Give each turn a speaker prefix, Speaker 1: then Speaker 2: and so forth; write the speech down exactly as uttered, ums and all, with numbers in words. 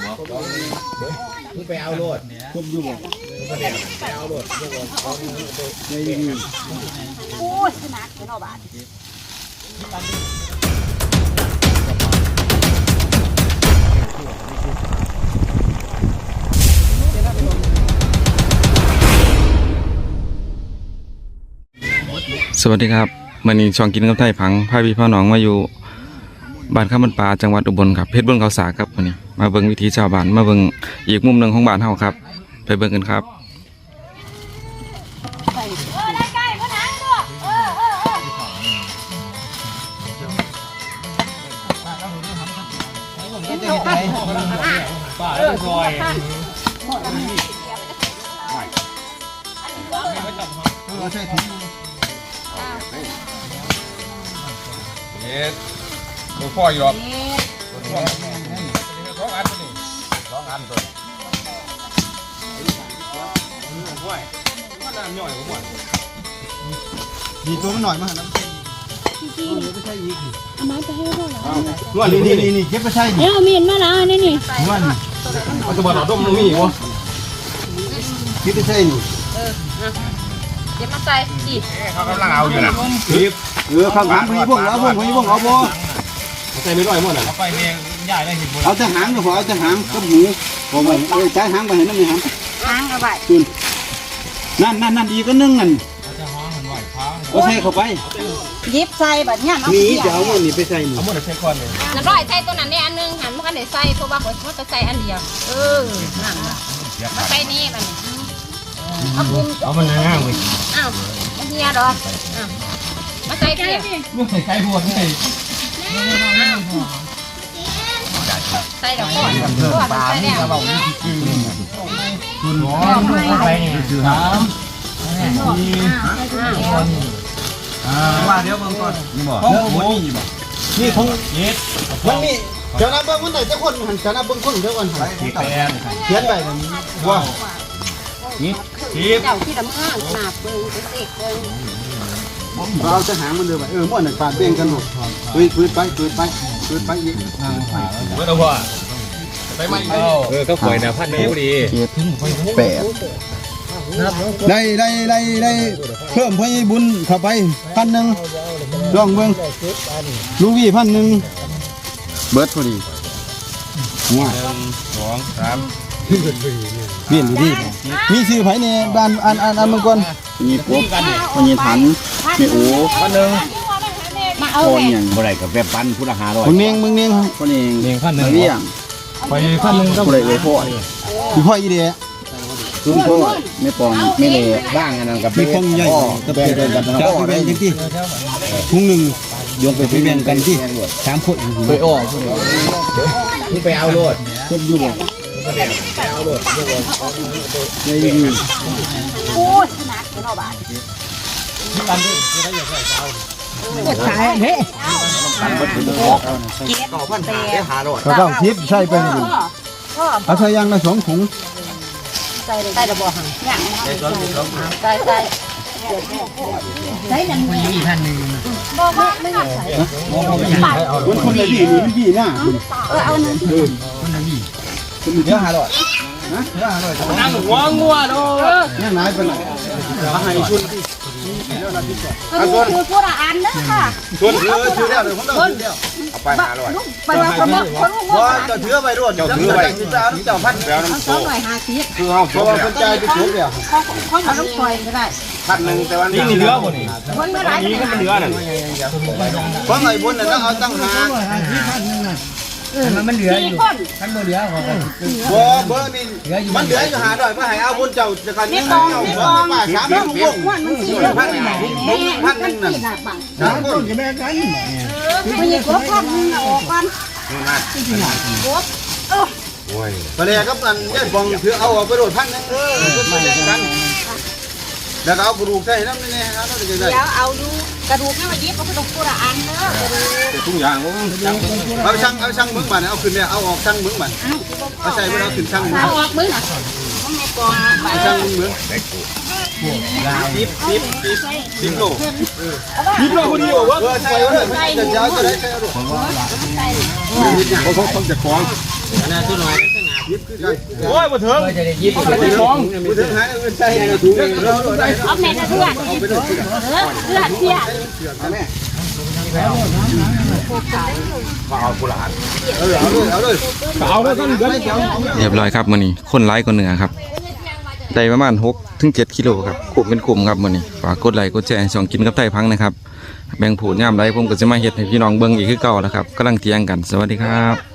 Speaker 1: มึงไปเอาโลดคุมอยู่บ่ไปเอาโลดพวกเราในนี่โอ้ยขนาดเนาะบาท
Speaker 2: สวัสดีครับมันนี้ช่องกินกับไทยพังพาพี่พ่อน้องมาอยู่บ้านข้ามบันปลาจังหวัดอุบลครับเพชรบุญเขาสาครับวันนี้มาเบิ่งวิถีชาวบ้านมาเบิ่งอีกมุมหนึ่งของบ้านเฮาครับไปเบิ่งกันครับ
Speaker 3: เฮ็ดตัวพ่ออยู่หรอกตัวพ่อสองอันตัวนี้สองอันตัวห้วยมันน้ำย่อยผมว่าดีตัวมันหน่อยมาน้ำเส้นไม่ใช่อีกเอาไม้ไปให้ด้วยเหรอว่านี่นี่นี่เก็บไปใช่นี่
Speaker 4: เอามีดมาละนี่นี่
Speaker 3: ว่านี่เอาตัวบอลดมมันมีวะเก็บไปใช่นี่
Speaker 4: เออเดี๋ยวมาใส่จีบ
Speaker 3: เขากำลังเอาอยู่นะคลิปเออข้างหลังพี่พวกเอาพวกพี่พวกเอาบ่ใส่ไม่ได้หมดอ่ะเอาไปเองใหญ่ได้หินเอาแต่หางก็พอเอาแต่หางกับหูผมว่าเอ้ยใช้หางไปเห็นน้ำมีหาง
Speaker 4: หางเอาไป
Speaker 3: คุณนั่นนั่นนั่นอีกก็นึ่งนั่นเอาใส่เข้าไป
Speaker 4: ยิบใส่แบบนี้
Speaker 3: นี่จะเอาหมดนี่ไปใส่นี่เอาหมดใส่ก้อนเลย
Speaker 4: น้ำร้อยใส่ตัวนั้นนี่อันนึงหันมันก็ได้ใส่เพราะว่าผมก็จะใส่อันเดียวเออนั่นมาใส่นี่มันเอาบุ้ง
Speaker 3: เอามันง่ายๆเลย
Speaker 4: อ้าวมันเฮียดอกอ้าวมาใส่เพี้ย
Speaker 3: ไม่ใส่ไก่หัวนี่
Speaker 4: ใส่ดอกก่อนก่อนใส่แล้ว
Speaker 3: คุณหมอไปนี่คือสามสี่ว่าเดี๋ยวเบิ่งก่อนนี่บ่เรื่องนี้นี่บ่นี่คงเย็ดมันมีเดี๋ยวนะเบิ่งมันได้จักคนหันจะนะเบิ่งคนเดี๋ยวก่อนหันเขียนไปกันว่านี่ที
Speaker 4: เจ้าที่ดำข้างหนาเบิ่งไปเสกเบิ่ง
Speaker 3: เราจะหางมันเดิมไปเออม่วนหนึ่งปาดเบ่งกันหมดปืนปืนไปปืนไปปืนไปอีกเมื่อไหร่ไปไม่เออก็ปล่อยแนวพันนิ้วดีแปดได้ได้ได้ได้เพิ่มพบุญเข้าไปพันหนึ่งลองเบิ้งลูกวี่พันหนึ่งเบิร์ดพอดีว้าสองสามเปลี่ยนดูดิมีชื่อไผ่ในบ้านอันอันอันเมื่อก่อนมีปุ๊บมันมีถันมีโอ้พันหนึ่งคนอย่างบ่ได้กับแบบปันพุทธหาร้อยคนเนียงมึงเนียงคนเนียงเนียงพันหนึ่งเนียงไปพันหนึ่งก็บ่ได้เลยพ่อคือพ่ออีเดียคือพ่อไม่ปองไม่เลยบ้างอันนั้นกับมีพงใหญ่กับเป็นกันนะพ่อได้ยังที่ทุ่งหนึ่งโยงไปไปแบ่งกันที่สามคนไปอ้อ
Speaker 1: มึงไปเอาโลด
Speaker 3: คุมอยู่บ่
Speaker 1: ไปเอาโลดพวกเรา
Speaker 3: ในนี่
Speaker 4: โอ้ยขนาดเนาะบาท
Speaker 1: ที่บ้านด้วยที่ได้อย่างไรเอา
Speaker 4: ขายเฮ้ย
Speaker 1: ต่อพันหาได้หาโลด
Speaker 3: ก็ต้องทิพย์ใช่ไปนี่เอาใส่ยางละสองถุง
Speaker 4: ใส่ใส่ระบอกหังอย่างใส่ใส่ใส่ใส่หนังมีพันหนึ่งบอกว่าไม่อยากใส่
Speaker 3: คนคนไหนดีนี่ดีนะ
Speaker 4: เออเอาหนึ่ง
Speaker 3: คนไหนดีคนเดียวหาร้อยนะเดียวหาร้อย
Speaker 1: นั่งหัวงัวโด
Speaker 3: นี่นายเป็นไรมาให้ชุน
Speaker 4: เอาส่วนคือพวกอันนะค่ะ
Speaker 3: ส่วนคือถือเดียวเลยผมต้องถือเดียวเอาไปหาร้อย
Speaker 4: ไปมาคนละคน
Speaker 3: ว่าจะถือไปด้วยเจ้าถือไปเจ้าเจ้าพันแปลน้ำโซ่
Speaker 4: สองร้อยห้าสิบ
Speaker 3: คือเอาเพราะว่าคนใจไปชุบเดียว
Speaker 4: เขาเขาเอาลูกปล่อยก็ได้
Speaker 3: พันหนึ่งแต่วัน
Speaker 1: นี้เหลือหมดนี่
Speaker 4: คนเมื่อไร
Speaker 1: นี่ก็มันเหลือนั่น
Speaker 3: เพราะไอ้บุญน่ะเอาตั้งหา
Speaker 1: มันมันเหลืออยู่ท่านเหลือของกัน
Speaker 3: บ่เบอร์นี่มันเหลืออยู่หาด้วยมาให้เอาบุญเจ้าจะกันนี่เอาหัวป้าสามพันพวกพันหนึ่งพันหนึ่งนั่นสามคนจะแม่กัน
Speaker 4: ไม่ใช่ครบพันหนึ่งออกกันครบ
Speaker 3: โอ้ยตอนแรกก็มันยัดฟองถือเอาไปโดดพันนึงเออไม่กันแล้วเอากระดูกใส่น้ำนี่นะครับเราจะได้
Speaker 4: เดี๋ยวเอาดูกระดูกให้มายิบเอากระดูกตัวอันเนอะ
Speaker 3: ทุกอย่างเอาช่างเอาช่างมึงมันเอาขึ้นเนี่ยเอาออกช่างมึงมันเอาใส่ไปเอาขึ้นช่างมึง
Speaker 4: เอาออกมึงอ่ะต้องมีกอง
Speaker 3: ช่างมึงมึงสิบสิบสิบสิบโลสิบโลพอดีเหรอวะเออใส่ไว้เลยจะยาวจะได้ใส่เอาดูเขาเขาจะคล้อง
Speaker 1: อันนั้นตัวน้อย
Speaker 3: ยิบคือกัน
Speaker 1: โอ้ยมาถึงจะได้ยิบไปสอง
Speaker 3: มือถือหายเงินใส่ในถุงเราใส่
Speaker 4: เอาแม่นะเพื่อนเออเพื่อนเสีย
Speaker 3: แม่เอากุหลาบเออเอาเลยเอาเลยเอาเลยต้องเดินเกี่ยว
Speaker 2: เรียบร้อยครับมื้อนี้คนหลายกว่าเหนือครับได้ประมาณหกถึงเจ็ดกิโลครับคุ้มเป็นคุ้มครับมื้อนี้ฝากกดไลค์กดแชร์ช่องกินกับไทยพังนะครับแบ่งผูดย่ามไรผมก็จะมาเฮ็ดให้พี่น้องเบิ่งอีกคือเก่าแล้วครับกำลังเตรียมกันสวัสดีครับ